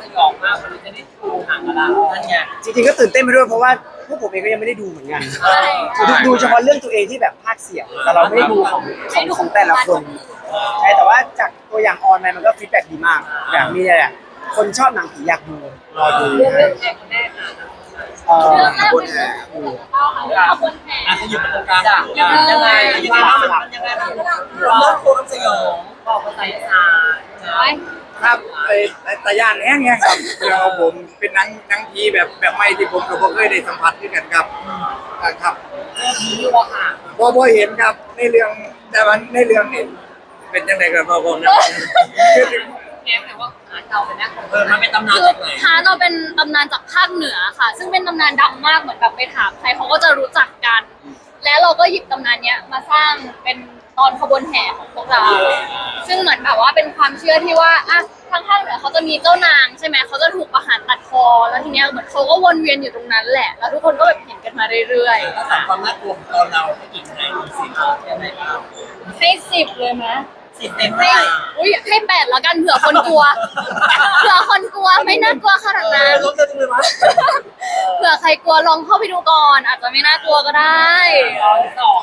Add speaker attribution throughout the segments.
Speaker 1: ยองมากวันนี้จะได้ดูหนังแล้วนั่นไง
Speaker 2: จริงๆก็ตื่นเต้นไปด้วยเพราะว่าพวกผมเองก็ยังไม่ได้ดูเหมือนกันดูเฉพาะเรื่องตัวเองที่แบบภาคเสียงแต่เราไม่ได้ดูของแต่ละคนใช่แต่ว่าจากตัวอย่างออนไลน์มันก็ฟีดแบ็กดีมากแบบมีแหละคนชอบหนังผีอยากดูรอดู
Speaker 1: เรื่องแรกคนแรกค่ะ
Speaker 2: ขบวนแห่
Speaker 1: ขยับมาตรงกลางยังไงยังไงมันยังไงมันเริ่มโคตรสยองบอกภาษาอีสาน
Speaker 3: ครับแต่ย่านแห้งเนี่ยครับเราผมเป็นหนังผีแบบใหม่ที่ผมก็เคยได้สัมผัสด้วยกันครับครับ
Speaker 1: ผีอยู่อะค่ะ
Speaker 3: พอเห็นครับในเรื่องแต่ว่าในเรื่องเห็นเป็นยังไงกันพอผมนะ
Speaker 1: แง้มเลยว่าเราเป็นนักมันเป็นตำนาน
Speaker 4: คือ
Speaker 1: จากไหน
Speaker 4: ฮาร์เราเป็นตำนานจากภาคเหนือค่ะ ซึ่งเป็นตำนานดังมากเหมือนแบบไปถามใครเขาก็จะรู้จักกัน และเราก็หยิบตำนานเนี้ยมาสร้างเป็นตอนขบวนแห่ของพวกเรา ซึ่งเหมือนแบบว่าเป็นความเชื่อที่ว่าอะทางภาคเหนือเขาจะมีเจ้านางใช่ไหมเขาจะถูกประหารตัดคอแล้วทีเนี้ยเหมือนเขาก็วนเวียนอยู่ตรงนั้นแหละ แล้วทุกคนก็แบบเห็นกันมาเรื่อยๆ
Speaker 1: ถ้าถามความน่ากลัวของตอนเราให้กี่ให้มีสิบใช่ไหมครับ
Speaker 4: ให้10เลยไหม
Speaker 1: 10 เต็ม
Speaker 4: ให้
Speaker 1: ให้
Speaker 4: อุ้ยให้8แล้วกันเผื่อคนกลัว เผื่อคนกลัวไม่น่ากลัวขนาดนั้น
Speaker 1: ลดเลยจังเลยมั้ย
Speaker 4: เผื่อใครกลัวลองเข้าไปดูก่อน อาจจะไม่น่ากลัวก็ได้
Speaker 1: ตอนที่สอง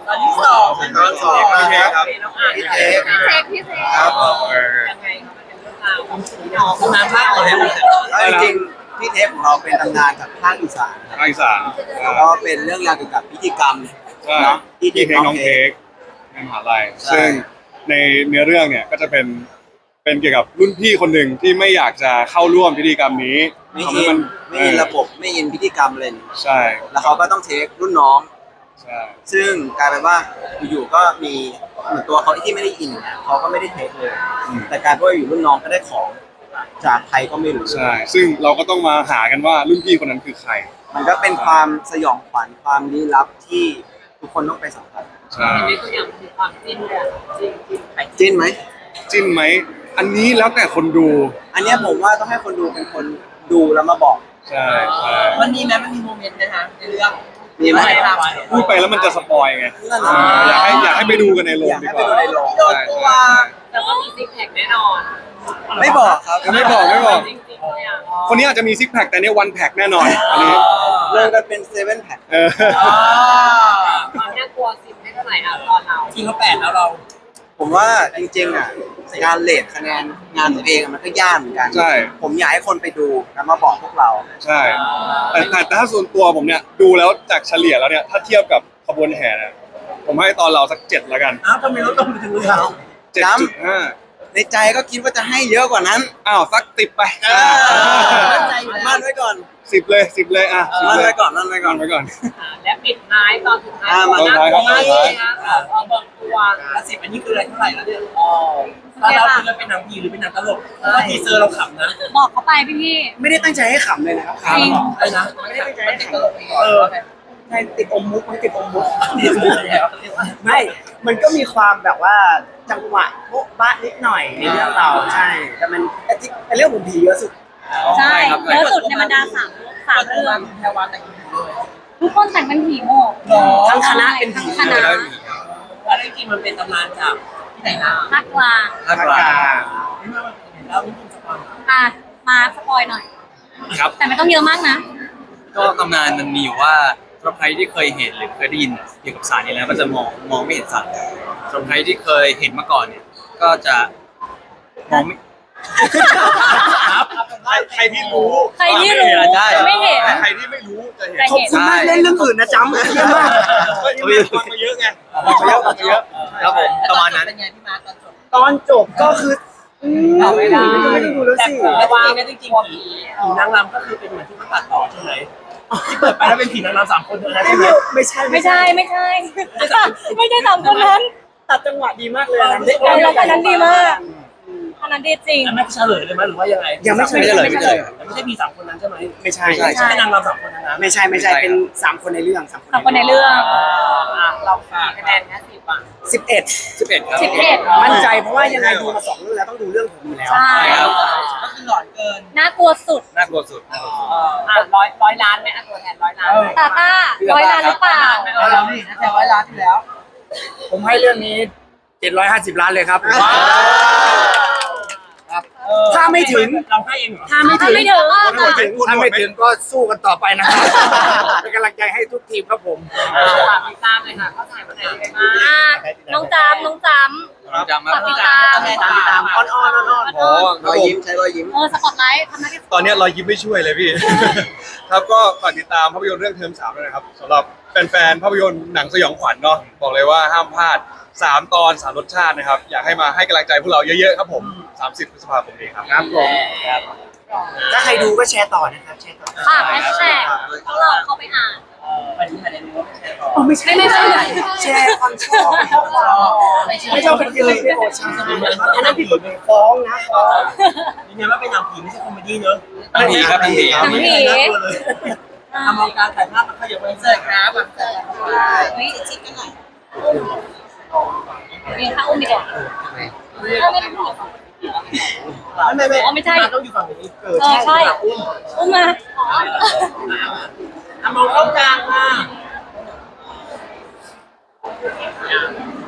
Speaker 3: ครับ
Speaker 1: น้องอ่าน
Speaker 4: พี่เซ็ก
Speaker 3: ครับ
Speaker 1: ยังไงครับมันเป็นเรื่องราวของผีน้องน้ำภาคก่อนเลย
Speaker 5: จริงๆพี่เทปของเราเป็นตำนานจากภาคอีสานครับ
Speaker 6: ภาคอีสาน
Speaker 5: แล้วก็เป็นเรื่องราวเกี่ยวกับพิธีกรรม
Speaker 6: ใช่
Speaker 5: เนาะ
Speaker 6: พี่เทคน้องเทคในมหาลัย
Speaker 5: ใช่
Speaker 6: ซึ่งในเนื้อเรื่องเนี่ยก็จะเป็นเกี่ยวกับรุ่นพี่คนหนึ่งที่ไม่อยากจะเข้าร่วมพิธีกรรมนี้
Speaker 5: ไม่
Speaker 6: ทำ
Speaker 5: อิ
Speaker 6: ให้
Speaker 5: น
Speaker 6: มัน
Speaker 5: ไม่อินระบบไม่อินพิธีกรรมเลย
Speaker 6: ใช่
Speaker 5: แล้วเขาก็ต้องเทครุ่นน้อง
Speaker 6: ใช่
Speaker 5: ซึ่งกลายเป็นว่าอยู่ๆก็มีเหมือนตัวเขาที่ไม่ได้อินเขาก็ไม่ได้เทคเลย แต่กลายเป็นว่าอยู่รุ่นน้องก็ได้ของจากใครก็ไม่รู้
Speaker 6: ใช่ซึ่งเราก็ต้องมาหากันว่ารุ่นพี่คนนั้นคือใคร
Speaker 5: มันก็เป็นความสยองขวัญความลี้ลับที่ทุกคนต้องไปสัมผัส
Speaker 6: ใช่
Speaker 1: อันนี้ตัวอย่างมีความจิ้นเลยจิ้นไป
Speaker 5: จิ้นไหม
Speaker 6: จิ้นไหมอันนี้แล้วแต่คนดู
Speaker 5: อันเนี้ยผมว่าต้องให้คนดูเป็นคนดูแล้วมาบอก
Speaker 6: ใช่ใช่
Speaker 1: มันมีไหมมันมีโมเมนต์นะคะในเรื่อง
Speaker 5: มีไหม
Speaker 6: พูดไปแล้วมันจะสปอยไง
Speaker 5: นั่นน่ะ
Speaker 6: อยากให้ไปดูกันในโรง
Speaker 5: อยาก
Speaker 6: ดี
Speaker 5: ให้
Speaker 6: ก
Speaker 5: ไป
Speaker 6: ว่า
Speaker 5: ดูในโรง
Speaker 1: โดนตัวแต่ว่ามีซิกแพคแน่นอน
Speaker 5: ไม่บอกครับ
Speaker 6: ไม่บอก
Speaker 1: จริงๆเลยอ่ะ
Speaker 6: คนนี้อาจจะมีซิกแพคแต่เนี่ยวันแพคแน่นอนอันนี้
Speaker 5: เริ่มกันเป็นเซเว่นแพ็ค
Speaker 6: เออ
Speaker 1: ความน่ากลัว10ให้เท่าไหร่อ่ะตอนเราจริงเขา8แล้วเรา
Speaker 5: ผมว่าจริงๆอ่ะการเลทคะแนนงานตัวเองอะมันก็ยากเหมือนกัน
Speaker 6: ใช่
Speaker 5: ผมอยากให้คนไปดูแล้วมาบอกพวกเรา
Speaker 6: ใช่แต่ถ้าส่วนตัวผมเนี่ยดูแล้วจากเฉลี่ยแล้วเนี่ยถ้าเทียบกับขบวนแห่เนี่ยผมให้ตอนเราสัก7แล้วกัน
Speaker 1: อ้าวทำไมลดลงถึงเลยเรา
Speaker 6: 7.5
Speaker 5: ในใจก็คิดว่าจะให้เยอะกว่านั้น
Speaker 6: อ้าวสัก10ไป
Speaker 1: มั่นใจอยู่แล้ว
Speaker 5: มั่นไว้ก่อน
Speaker 6: 10เลยอ่ะ10
Speaker 5: มั่น
Speaker 6: เลย
Speaker 5: ไว้ก่อนมั่นไว้ก่อน
Speaker 6: ไว้ก่อน
Speaker 1: และปิดท้ายตอนสุดท้าย
Speaker 5: มา
Speaker 1: น่ากลัวมาก
Speaker 6: ตอน
Speaker 1: เล
Speaker 6: ท้าย
Speaker 1: ยนะเอาเบิกตัวและ10อันนี้คืออะไรเท่าไหร่แล้วเนี่ยถ้าเราคือเราเป็นหนังผีหรือเป็นหนังตลกเพราะว่าทีเซอร์เราขำนะ
Speaker 4: บอกเขาไปพี่
Speaker 2: ไม่ได้ตั้งใจให้ขำเลยนะครับ
Speaker 4: จริง
Speaker 1: อะไรนะ
Speaker 2: ไม่ได้ตั้งใจให้ข
Speaker 1: เออ
Speaker 2: ำใช่ติดอมมุกมันติดอมมุก
Speaker 1: ทีเซอร์แล้ว
Speaker 2: ไม่ มันก็มีความแบบว่าจังหวะโบ๊ะบ้านิดหน่อยในเรื่องเราใช่ แต่มันแต่เรื่องผมผีเยอะสุด
Speaker 4: ใช่เยอะสุดในบรรดาสามเรื่อง
Speaker 1: แพรวาแต่งผีเลย
Speaker 4: ทุกคนแต่งเป็นผีหมด
Speaker 2: ทั้งคณะเป็นผี
Speaker 4: ทั้งคณะ
Speaker 1: แล้วจริงๆมันเป็นตำนานจากที่ไหนนะ
Speaker 4: ภาคกลาง
Speaker 5: ภาคกลาง
Speaker 1: ไม่ว่ามันเป็นแล้วนี่คุณสปอน
Speaker 4: อ่ะมาสปอยหน่อย
Speaker 7: ครับ
Speaker 4: แต่ไม่ต้องเยอะมากนะ
Speaker 7: ก็ตำนานมันมีอยู่ว่าสำหรับใครที่เคยเห็นหรือเคยได้ยินเกี่ยวกับสารนี้แล้วก็จะมองไม่เห็นสารสำหรับใครที่เคยเห็นมาก่อนเนี่ย ก็จะมองไม่
Speaker 6: ใครที่รู้
Speaker 4: ใครที่รู้
Speaker 7: ใช่
Speaker 4: จะไม่เห็น
Speaker 6: แต่ใครที่ไม่รู้จะเห็น
Speaker 4: แต่
Speaker 2: ขอบ
Speaker 4: เห็น
Speaker 2: คุณมากเล่นเรื่องอื่นนะจำเยอะมาก
Speaker 6: ฟังมาเยอะไงเยอะ
Speaker 7: ครับผมประมาณนั้น
Speaker 1: เป็นไงพี่มาร์ตอนจบ
Speaker 2: ตอนจบก็คือไม่ได้ดูแล้ว
Speaker 1: แต่
Speaker 2: สิ
Speaker 1: แต่ว่าจริงๆผีนางรำก็คือเป็นเหมือนที่เขาตัดต่อใช่ไหมที่เปิดไปแล้วเป็นผีนางรำ3 คนเลยนะใช่ไหม
Speaker 2: ไม่ใช่
Speaker 4: ไม่ใช่ไม่ใช่ไม่ใช่สามคนนั้น
Speaker 2: ตัดจังหวะดีมากเลยนะ
Speaker 4: แล้วคนนั้นดีมากคนนั้นดีจริง
Speaker 1: ไม่เฉลยเลยไหมหรือว่ายังไง
Speaker 2: ยังไม่ใช่
Speaker 5: ไม่เฉลย
Speaker 1: แต่ไม่ใช่มี3 คนนั้นใช่ไหม
Speaker 2: ไม่ใช่
Speaker 5: ใช่
Speaker 1: ไม่ใช่นางรำ3 คนนั้นนะ
Speaker 2: ไม่ใช่เป็น3 คนในเรื่อง3
Speaker 4: สามคนในเรื่อง
Speaker 1: เราฝากคะแนนแค่10อ่ะ
Speaker 2: 11
Speaker 7: ครับ
Speaker 4: 11
Speaker 2: มั่นใจเพราะว่ายังไงดูมา2 เรื่องแล้วต้องดูเรื่องผมอยู่แล้ว
Speaker 4: ใช่
Speaker 1: ก็คือหลอนเกิน
Speaker 4: น่ากลัวสุด
Speaker 7: น่ากลัวสุดน่ากลัวสุด
Speaker 1: ร้อยล้านไหมตัวแทน100 ล้าน
Speaker 4: ตาต้า100 ล้านหรือเปล่า
Speaker 1: เรานี่นะแต่100 ล้านที่แล้ว
Speaker 3: ผมให้เรื่องนี้750 ล้านเลยครับ
Speaker 4: เอ
Speaker 2: ถ้าไม่ถึง
Speaker 1: เราให้เองเหรอ
Speaker 2: ถ้าไม่ถึง
Speaker 4: ไม่ถึง
Speaker 3: ถ้าไม่ถึงก็สู้กันต่อไปนะครับเป็นกำลังใจให้ทุกทีมครับผม
Speaker 1: ฝากติดตามเลยค่ะเขาถ่ายวันไหนยังไงบ้าง
Speaker 4: น้องจำ
Speaker 7: จำมา
Speaker 4: ฝากติดตาม
Speaker 1: ติดตามอ้อน
Speaker 6: อ๋อค
Speaker 5: ร
Speaker 6: รับ
Speaker 5: อย
Speaker 6: ผม
Speaker 5: ยิ้มใช้รอยยิ้ม
Speaker 4: สปอตไลท์ทำหน้าที่
Speaker 6: ตอนนี้รอยยิ้มไม่ช่วยเลยพี่ ครับก็ฝากติดตามภาพยนตร์เรื่องเทอม3ด้วยนะครับสำหรับแฟนๆภาพยนตร์หนังสยองขวัญเนาะบอกเลยว่าห้ามพลาด3 ตอน 3 รสชาตินะครับอยากให้มาให้กำลังใจพวกเราเยอะๆครับผม30 พฤษภาคมนี้ครับ
Speaker 3: ครับผม
Speaker 2: ถ้าใครดูก็แชร์ต่อนะครับแชร์ต่อ
Speaker 4: ฝากแฮชแท็กพวกเราเข้าไปอ่าน
Speaker 1: วันนี้ถ่ายในรู้ว่าไม่ใช่หรอ
Speaker 2: ไม่ใช่
Speaker 4: ไม่ใช่
Speaker 2: แชร์ความชอบไม่ชอบเป็นเลยโอ้ใช่อันนั้นผิดกฎหมายฟ้องนะฟ้อง
Speaker 1: ยังไงว่าเป็นหนังผีไม่ใช่คอมเมดี้เนอะ
Speaker 7: หนังผีครับหนังผีครับ
Speaker 1: ไม่ใช่น่ากลัวเลยมองการถ่ายภาพมันขยับไปเสิร์ฟครับแบบ
Speaker 4: เฮ้ยชิดกันหน่อยมีถ้าอุ้มดีกว่าไม่ต้อง
Speaker 1: ไม่ใช่ต้องอยู่ฝั่งนี้
Speaker 4: ใช่อุ้มมา
Speaker 1: มองเข้ากลางค่ะ